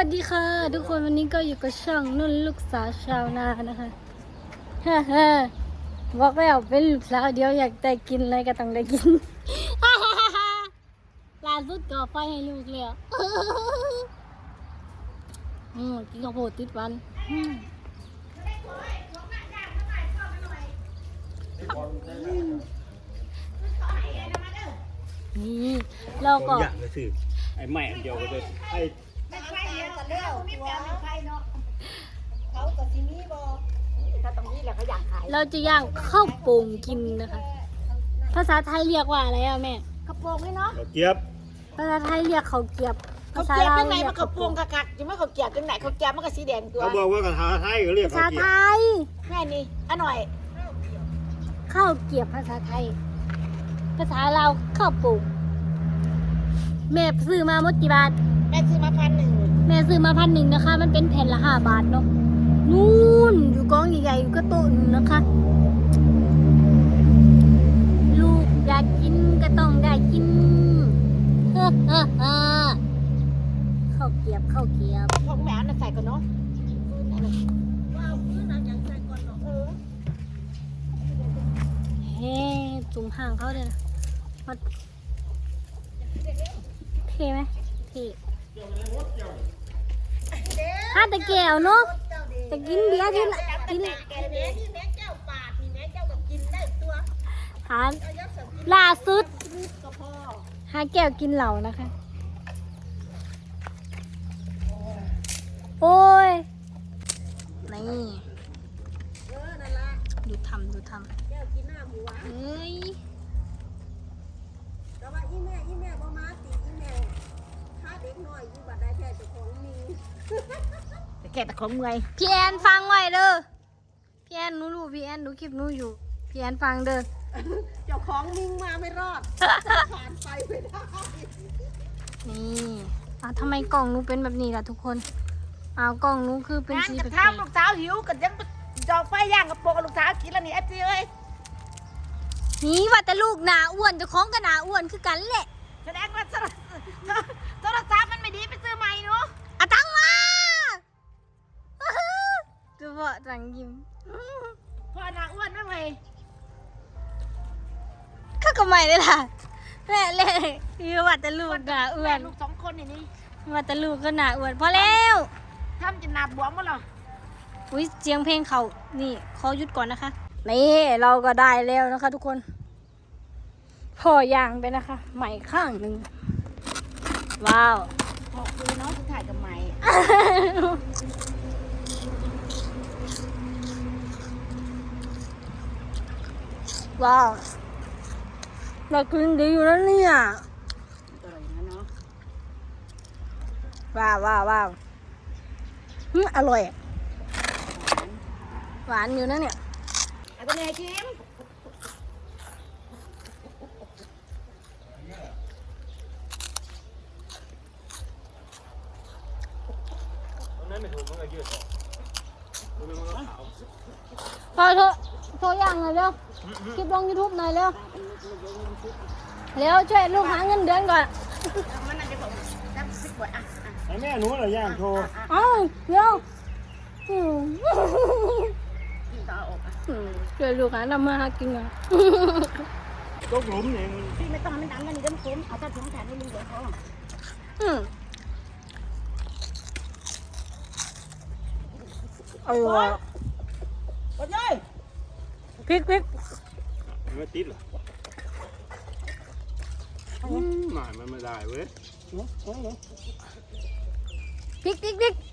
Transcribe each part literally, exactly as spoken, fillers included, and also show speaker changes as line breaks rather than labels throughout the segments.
วัสดีค่ะทุกคนวันนี้ก็อยู่กับช่องนุ่นลูกสาวชาวนานะคะฮ่าฮ่าบอกแล้วเป็นลูกสาวเดียวอยากได้กินอะไรก็ต้องได้กินฮ่าฮ่าฮ่าฮ่าล่าสุดก่อไฟให้ลูกเลยอืมกินข้าวโพดติดวันนี่เราก็
อย่างก็คือไอ้แม่อันเดียวก็จะไอ้
ไม่ไฟเดียวกันแล้วมีแปลงไฟเนาะเขากับที่นี่บ่ถ้าตรงนี้แหละเขาอยากขาย
เราจะย่างข้าวโป่งกินนะคะภาษาไทยเรียกว่าอะไรอะแม่
กระโปรงนี่เนาะ
ดอกเจี๊ยบ
ภาษาไทยเรียกข้าวเกรียบ
เขาเกียบยังไงมันกระโปรงกะกักจะไม่เขาเกียบยังไงเขาเกียบมันก็สีแดงตัว
เขาบอกว่ากระทาไทยก็เรียก
ภาษา
เขาเจี๊
ไท
ยบ
ย
แม่นี่อ่ะหน่อย
ข้าวเกรียบภาษาไทย ภาษาลาวข้าวโป่งแม่ซื้อมาหมดกี่บาท
แม่ซื้อมาพันหนึ่ง
แม่ซื้อมาพันหนึ่งนะคะ มันเป็นแผ่นละห้าบาทเนาะนู่นอยู่กองใหญ่ๆอยู่ก็โต๊ะนึงนะคะ ลูกอยากกินก็ต้องได้กินเฮ้อเฮ้อเฮ้อข้าวเกรียบข้าวเกรียบ
ของแม่น่ะใส่ก่อนเนาะว้าวพื้นน้ำยังใส่ก่อนเนาะเออ
เฮ้จุ่มห่างเขาเลยนะมันเท่ไหมเท่ฮะแต่แก้วเนาะแต่กินเบียร์ที่ละกิน
แกแม่ที่แม่เจ้าปาดนี่แม่เจ้าก็กินได้ตัว
หาล่าสุด
ก็พอ
หาแก้วกินเหล่านะคะ โอ้ย นี่
เออนั่นละ
ดูทำดูท
แก้วกินหน้าหมูหวาน
ำเฮ้ย
แต่ว่าอีแม่อีแม่บ่มาติอีแม่ถ้าเด็กน้อยอยู่บัดได้แค่เจ้าของมีแต่แค่แต่ของเมื่อย
พี่แอนฟังไว้เด้อ พี่แอนหนูรู้พี่แอนหนูคลิปหนูอยู่ พี่แอนฟังเด้อ
เจ้าของมิงมาไม่รอดผ่านไปไม่ได้
นี่อ่ะทำไมกล่องหนูเป็นแบบนี้ล่ะทุกคนอ้าวกล่องหนูคือเป็น
งาน
สี
กับ
แปล
ทาก ลูกสาวหิวกันยังจอไฟย่างกับโปกกับลูกสาวกินแล้วนี่เอฟซีเอ้ย
ๆนี่ว่าแต่ลูกหนาอ้วนเจะคล้าของกับหนาอ้วนคือกันแหละ
แสดงว่าโทรโทรศัพท์มันไม่ดีไปซื้อใหม่เนาะ
อะตังมาดูบ่จังยิ้ม
พอหนาอ้วนนั่นเลย
ข้าก็ไม่ได้ล่ะแม่เล่คือว่าแต่ลูกหนาอ้วน
ลูกสองคนนี่นี่
ว่าแต่ลูกก็หนาอ้วนพอแล้ว
ทำจนหนาบวมหมดหรอ
อุ้ยเสียงเพลงเขานี่ขอหยุดก่อนนะคะนี่เราก็ได้แล้วนะคะ ทุกคนพอย่างไปนะคะใหม่ข้างหนึ่งว้าว
ขอบคุณเนาะที่ถ่ายกับใหม่
ว้าวเรากินดีอยู่แล้วเนี่ย
อร่อยนะเนาะ
ว้าวว้าวว้าวอืมอร่อยอะหวานอยู่นะเนี่ย
เอาตัวนี้ให้ชิม
ตอนนั้นไม่ถูกมันก็ยืดออกมันก็ขาว
พอโทรโทรย่างหน่อยเร็วคลิปลงยูทูบหน่อยเร็วเร็วช่วยลูกหาเงินเดือนก่อน
มันน่าจะบอกน้ำพริกบดอ่ะอ่ะ
ไอ้แม่หนูเหรอย่างโชว์
เอ้าเร็วอืม
กินต่ออกอ่ะ
อืมช่วยลูกหาทำมาหากินก่อน
ตกหลุมเนี่ยมัน
พี่ไม่ต้องให้มันดังกันนี่เดี๋ยวมันคุ้มเอาถ้าถึงแขนให้ลุงเดี๋ยวเขา
อืมอร่อย
กดเลย
พริกพริก
มันไม่ติดหรออืมหมายมันไม่ได้เว้ย
พริกพริกพริก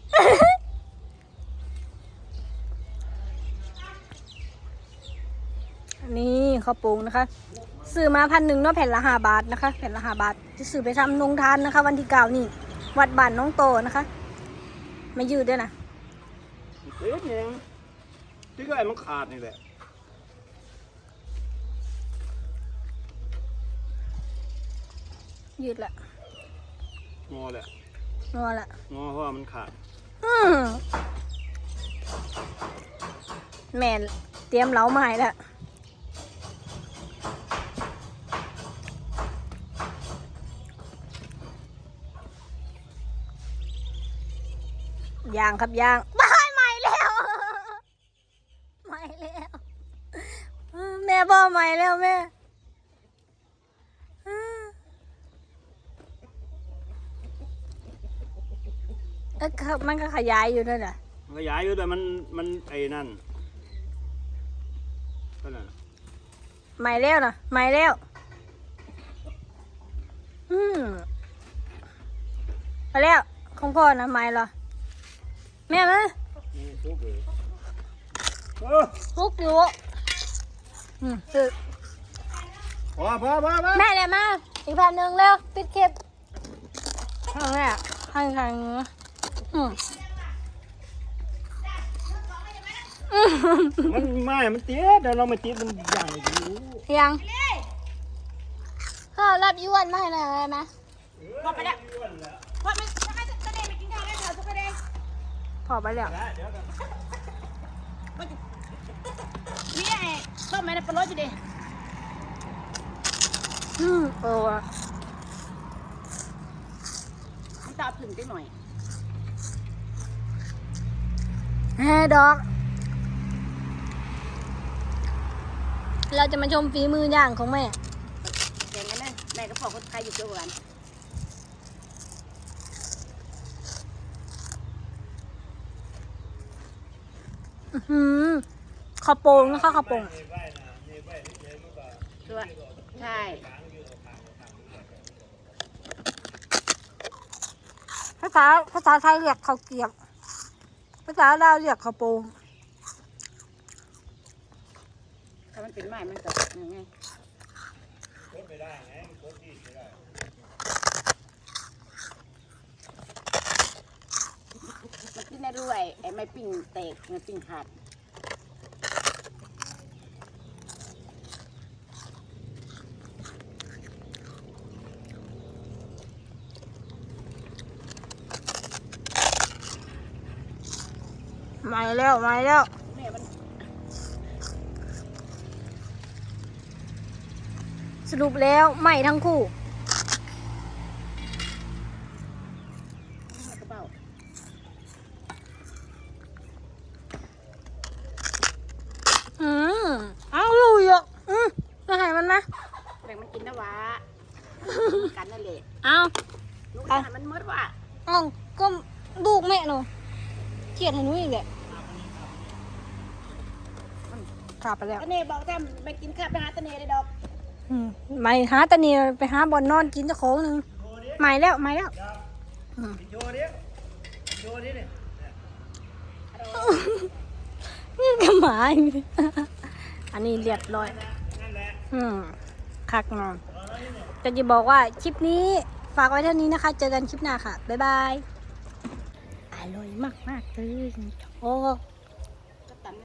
นี่ข้าวโป่งนะคะซื้อมาพันหนึ่งเนาะแผ่นละห้าบาทนะคะแผ่นละห้าบาทจะซื้อไปทำนงทานนะคะ วันที่เก้านี่ วัดบ้านน้องโตนะคะไม่ยืดด้วยนะ
เอ๊ะเนี่ยที่ก็ไอ้มันขาดนี่แหละ
ยืดละ
งอแหละ
งอละ
งอเพราะว่ามันขาด
อืมแม่เตรียมเหลามาให้แล้วยางครับยางบ้ายใหม่แล้วใหม่แล้วแม่บอกใหม่แล้วแม่เออมันก็ขยายอยู่ด้วยแหละ
มันขยายอยู่แต่มันมันไอ้นั่นก็นั่น
ใหม่แล้วนะใหม่แล้วอืมไปแล้วของพ่อนะใหม่เหรอแม่มา
นี่ซุกเลยเออ
ลุกอยู่อืมคือ
พอพอพอพอ
แม่เลยมาอีกแผ่นหนึ่งเร็วปิดคลิปข้างแรกข้างข้างอืม
มันไม่มันเตี้ยเดี๋ยวเรามาจิ้มมันใหญ่ดู
ยังข้าวรับยวนมาให้หน่อยได้ไหม
พอไปแล้วพอไม่ถ้าให้ตะเดงไปกินข้าวได้เถอะตะเดง
พอไปแล้ว
เดี๋ยวกัน
นี่ไอ้ต้มไม่ได้ปลาโรสอยู่ดิ
อืมโอ้อะ
น้ำตาผึ่งได้หน่อย
แฮ่ดอกเราจะมาชมฝีมือย่างของแม่
อย่างนั้นนะแม่ก็พอคนไทยอยู่เกี่ยวกัน
อื้อหือข้าวโป่งนะคะข้าวโป่ง
คือว่าใช่
ภาษาภาษาไทยเรียกข้าวเกรียบภาษาลาวเรียกข้าวโป่ง
ถ้ามันเป็นไม้มันก็ยังไงมันกินได้ด้วยไอ้ไม้ปิ้งแตกไม้ปิ้งขาด
ใหม่แล้วใหม่แล้ว
แม่มัน
สรุปแล้วใหม่ทั้งคู่
กระเป๋า
อืมเอาลุยอ่ะอืมมาให้มันนะ
แบ่งมันกินนะวะกันนั่นแหละ
เอา
ลูกอาหารมันมดว่ะ
เอาก็ลูกแม่หนูเขียดให้หนูอีกแหละขาดไปแล้ว
ตะเน่บอกถ้าไปกินข้าวไปหาตะเน่เลยดอก
อืมไม่หาตะเนียไปหาบอลนอนกินเจ้าของหนึ่งใหม่แล้วใหม่แล้วอืม
โชว์ดิโชว์ดิเนี่ย
นี่ก็หมาอีกอันนี้เรียบร้อย
นั่นแหละ
อืมคักนอนจะจะบอกว่าคลิปนี้ฝากไว้เท่านี้นะคะ เจอกันคลิปหน้าค่ะ บ๊ายบาย อร่อยมากมากๆเลยโอ้